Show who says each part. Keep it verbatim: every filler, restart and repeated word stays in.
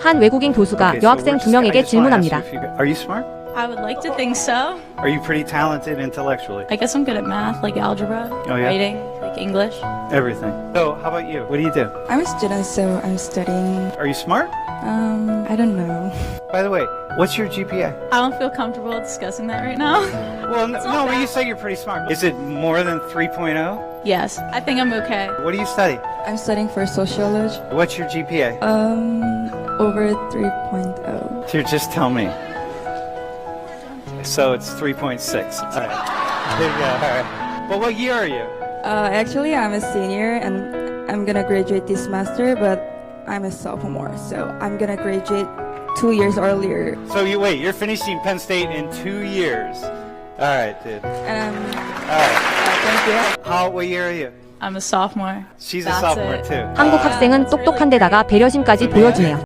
Speaker 1: 한 외국인 교수가
Speaker 2: Okay, so
Speaker 1: 여학생
Speaker 2: we're
Speaker 1: 두
Speaker 2: just- I
Speaker 1: 명에게
Speaker 2: just wanna ask
Speaker 1: 질문합니다.
Speaker 2: you if you go- Are you smart?
Speaker 3: I would like to think so.
Speaker 2: Are you pretty talented intellectually?
Speaker 3: I guess I'm good at math, like algebra,
Speaker 2: Oh, yeah?
Speaker 3: writing, like English.
Speaker 2: Everything. So, how about you? What do you do?
Speaker 4: I'm a student, so I'm studying.
Speaker 2: Are you smart?
Speaker 4: Um, I don't know.
Speaker 2: By the way, what's your G P A?
Speaker 3: I don't feel comfortable discussing that right now.
Speaker 2: Well, no, no but you say you're pretty smart. Is it more than three point oh?
Speaker 3: Yes, I think I'm okay.
Speaker 2: What do you study?
Speaker 4: I'm studying for sociology.
Speaker 2: What's your G P A?
Speaker 4: Um, over three point oh.
Speaker 2: Here, just tell me. So it's three point six. All right. There you go. All right. Well, what year are you?
Speaker 4: Uh, actually, I'm a senior and I'm gonna graduate this semester, but I'm a sophomore, so I'm gonna graduate two years earlier.
Speaker 2: So you wait. You're finishing Penn State in two years. All right, dude.
Speaker 4: And um,
Speaker 2: All right.
Speaker 4: uh, thank you.
Speaker 2: How? What year are you?
Speaker 3: I'm a sophomore.
Speaker 2: She's a
Speaker 3: That's
Speaker 2: sophomore
Speaker 3: it.
Speaker 2: too.
Speaker 1: 한국 학생은 똑똑한 데다가 배려심까지 보여주네요.